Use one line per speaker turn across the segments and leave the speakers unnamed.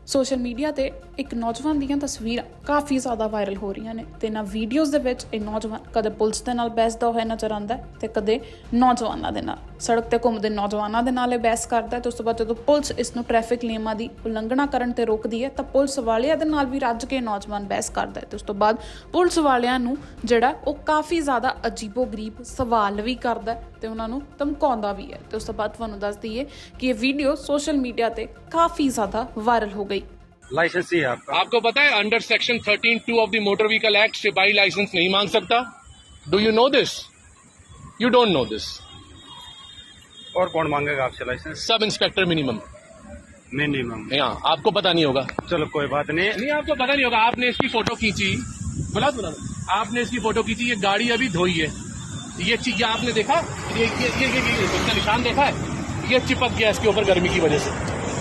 Social media ਤੇ ਇੱਕ ਨੌਜਵਾਨ ਦੀਆਂ ਤਸਵੀਰਾਂ ਕਾਫੀ ਜ਼ਿਆਦਾ ਵਾਇਰਲ ਹੋ ਰਹੀਆਂ ਨੇ ਤੇ ਇਹਨਾਂ ਵੀਡੀਓਜ਼ ਦੇ ਵਿੱਚ ਇਹ ਨੌਜਵਾਨ ਕਦੇ ਪੁਲਿਸ ਦੇ ਨਾਲ ਬਹਿਸਦਾ ਹੋਇਆ ਨਜ਼ਰ ਆਉਂਦਾ ਤੇ ਕਦੇ ਨੌਜਵਾਨਾਂ ਦੇ ਨਾਲ ਸੜਕ ਤੇ ਘੁੰਮਦੇ ਨੌਜਵਾਨਾਂ ਦੇ ਨਾਲ ਇਹ ਬਹਿਸ ਕਰਦਾ ਤੇ ਉਸ ਤੋਂ ਬਾਅਦ ਜਦੋਂ ਪੁਲਿਸ ਇਸ ਨੂੰ ਟ੍ਰੈਫਿਕ ਨਿਯਮਾਂ ਦੀ ਉਲੰਘਣਾ ਕਰਨ ਤੇ ਰੋਕਦੀ ਹੈ ਤਾਂ ਪੁਲਿਸ ਵਾਲਿਆਂ ਦੇ ਨਾਲ ਵੀ ਰੱਜ ਕੇ ਨੌਜਵਾਨ ਬਹਿਸ ਕਰਦਾ ਤੇ ਉਸ ਤੋਂ ਬਾਅਦ ਪੁਲਿਸ ਵਾਲਿਆਂ ਨੂੰ ਜਿਹੜਾ ਉਹ ਕਾਫੀ ਜ਼ਿਆਦਾ ਅਜੀਬੋ-ਗਰੀਬ ਸਵਾਲ ਵੀ ਕਰਦਾ ਤੇ ਉਹਨਾਂ ਨੂੰ ਧਮਕਾਉਂਦਾ ਵੀ ਹੈ ਤੇ ਉਸ ਤੋਂ ਬਾਅਦ ਤੁਹਾਨੂੰ ਦੱਸ ਦਈਏ ਕਿ ਇਹ ਵੀਡੀਓ सोशल मीडिया पे काफी ज्यादा वायरल हो गई।
लाइसेंस ही है
आपको पता है under section 13(2) of the motor vehicle act सिपाही लाइसेंस नहीं मांग सकता। Do you know this? You don't know this.
और कौन मांगेगा आपसे लाइसेंस?
Sub inspector minimum. हाँ, आपको पता नहीं होगा।
चलो कोई बात नहीं
आपको पता नहीं होगा। आपने इसकी फोटो खींची, बोला आपने इसकी फोटो खींची, ये गाड़ी अभी धोई है, ये चीज आपने देखा, ये इसका निशान देखा है, ये चिपक गया इसके ऊपर गर्मी की वजह से।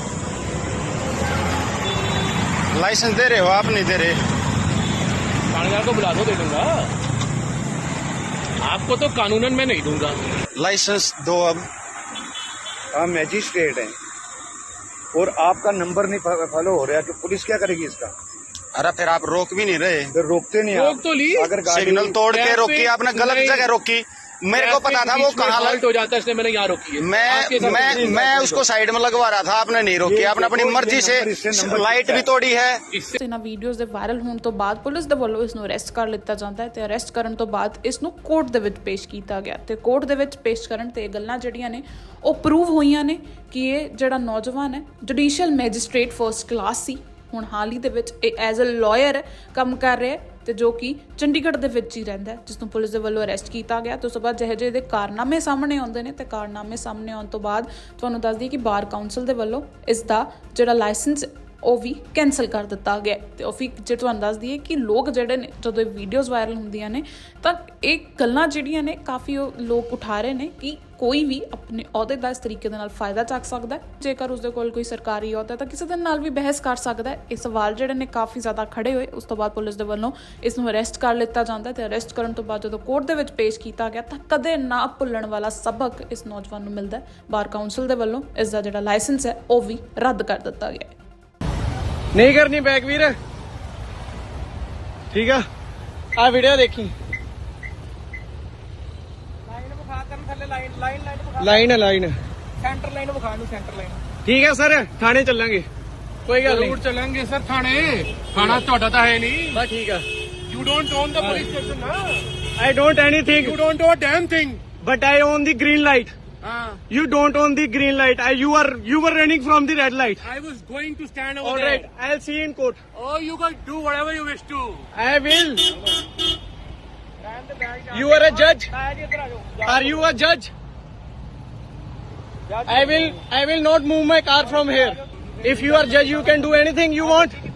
लाइसेंस दे रहे हो आप? नहीं दे रहे।
थानेदार को बुला दो, दे दूंगा। आपको तो कानूनन मैं नहीं दूंगा।
लाइसेंस दो अब।
आप मैजिस्ट्रेट हैं और आपका नंबर नहीं फॉलो हो रहा, तो पुलिस क्या करेगी इसका?
अरे फिर आप रोक भी नहीं रहे।
फिर रोकते नहीं
रोक तो ली,
अगर
सिग्नल तोड़ के रोकी आपने, गलत जगह रोकी। मेरे को पता था वो कहाँ
हो जाता है, इसलिए मैंने यहाँ रोकी है।
मैं उसको साइड में लगवा रहा था, आपने नहीं रोकी। आपने अपनी मर्जी से लाइट भी तोड़ी है।
ਇਹਨਾਂ ਵੀਡੀਓਜ਼ ਦੇ ਵਾਇਰਲ ਹੋਣ ਤੋਂ ਬਾਅਦ ਪੁਲਿਸ ਦੇ ਵੱਲੋਂ ਇਸ ਨੂੰ ਅਰੈਸਟ ਕਰ ਲਿੱਤਾ ਜਾਂਦਾ ਹੈ ਤੇ ਅਰੈਸਟ ਕਰਨ ਤੋਂ ਬਾਅਦ ਇਸ ਨੂੰ ਕੋਰਟ ਦੇ ਵਿੱਚ ਪੇਸ਼ ਕੀਤਾ ਗਿਆ ਤੇ ਕੋਰਟ ਦੇ ਵਿੱਚ ਪੇਸ਼ ਕਰਨ ਤੇ ਇਹ ਗੱਲਾਂ ਜਿਹੜੀਆਂ ਨੇ ਉਹ ਪ੍ਰੂਵ ਹੋਈਆਂ ਨੇ ਕਿ ਇਹ ਜਿਹੜਾ ਨੌਜਵਾਨ ਹੈ ਜੁਡੀਸ਼ੀਅਲ ਮੈਜਿਸਟ੍ਰੇਟ ਫਰਸਟ ਕਲਾਸ ਸੀ। ਹੁਣ ਹਾਲ ਹੀ ਦੇ ਵਿੱਚ ਇਹ ਐਜ਼ ਅ ਲਾਇਰ ਕੰਮ ਕਰ ਰਿਹਾ ਤੇ ਜੋ ਕਿ ਚੰਡੀਗੜ੍ਹ ਦੇ ਵਿੱਚ ਹੀ ਰਹਿੰਦਾ, ਜਿਸ ਨੂੰ ਪੁਲਿਸ ਦੇ ਵੱਲੋਂ ਅਰੈਸਟ ਕੀਤਾ ਗਿਆ ਤੇ ਉਸ ਤੋਂ ਬਾਅਦ ਜਿਹੇ ਇਹਦੇ ਕਾਰਨਾਮੇ ਸਾਹਮਣੇ ਆਉਂਦੇ ਨੇ ਤੇ ਕਾਰਨਾਮੇ ਸਾਹਮਣੇ ਆਉਣ ਤੋਂ ਬਾਅਦ ਤੁਹਾਨੂੰ ਦੱਸ ਦਈਏ ਕਿ ਬਾਰ ਕਾਉਂਸਲ ਦੇ ਵੱਲੋਂ ਇਸ ਦਾ ਜਿਹੜਾ ਲਾਇਸੈਂਸ ਉਹ ਵੀ ਕੈਂਸਲ ਕਰ ਦਿੱਤਾ ਗਿਆ ਤੇ ਉਹ ਵੀ ਜੇ ਤੁਹਾਨੂੰ ਦੱਸ ਦਈਏ ਕਿ ਲੋਕ ਜਿਹੜੇ ਨੇ ਜਦੋਂ ਇਹ ਵੀਡੀਓਜ਼ ਵਾਇਰਲ ਹੁੰਦੀਆਂ ਨੇ ਤਾਂ ਇਹ ਗੱਲਾਂ ਜਿਹੜੀਆਂ ਨੇ ਕਾਫੀ ਲੋਕ ਉਠਾ ਰਹੇ ਨੇ ਕਿ ਕੋਈ ਵੀ ਆਪਣੇ ਅਹੁਦੇ ਦਾ ਇਸ ਤਰੀਕੇ ਦੇ ਨਾਲ ਫਾਇਦਾ ਚੱਕ ਸਕਦਾ ਹੈ। ਜੇਕਰ ਉਸਦੇ ਕੋਲ ਕੋਈ ਸਰਕਾਰੀ ਅਹੁਦਾ ਤਾਂ ਕਿਸੇ ਦੇ ਨਾਲ ਵੀ ਬਹਿਸ ਕਰ ਸਕਦਾ ਹੈ। ਇਹ ਸਵਾਲ ਜਿਹੜੇ ਨੇ ਕਾਫੀ ਜ਼ਿਆਦਾ ਖੜੇ ਹੋਏ। ਉਸ ਤੋਂ ਬਾਅਦ ਪੁਲਿਸ ਦੇ ਵੱਲੋਂ ਇਸ ਨੂੰ ਅਰੈਸਟ ਕਰ ਲਿੱਤਾ ਜਾਂਦਾ ਤੇ ਅਰੈਸਟ ਕਰਨ ਤੋਂ ਬਾਅਦ ਜਦੋਂ ਕੋਰਟ ਦੇ ਵਿੱਚ ਪੇਸ਼ ਕੀਤਾ ਗਿਆ ਤਾਂ ਕਦੇ ਨਾ ਭੁੱਲਣ ਵਾਲਾ ਸਬਕ ਇਸ ਨੌਜਵਾਨ ਨੂੰ ਮਿਲਦਾ। ਬਾਰ ਕਾਉਂਸਲ ਦੇ ਵੱਲੋਂ ਇਸ ਦਾ ਜਿਹੜਾ ਲਾਇਸੈਂਸ ਹੈ ਉਹ ਵੀ ਰੱਦ ਕਰ ਦਿੱਤਾ ਗਿਆ ਹੈ।
नहीं करनी बैक वीर, ठीक है। आ वीडियो देखी, लाइन
सेंटर लाइन विखा लू, सेंटर लाइन।
ठीक है सर, थाने चलेंगे, कोई गल
जरूर
नहीं।
चलेंगे सर थाने। थाना ਤੁਹਾਡਾ ਤਾਂ ਹੈ ਨਹੀਂ।
बस ठीक है।
You don't own the police station ना।
I don't anything,
You don't own a damn thing।
but I own the green light। You don't own the green light. You were running from the red light।
I was going to stand over
All
there।
right, I'll see you in court।
Oh, you guys do whatever you wish to।
I will। You are a judge? Are you a judge? I will not move my car from here। If you are judge, you can do anything you want।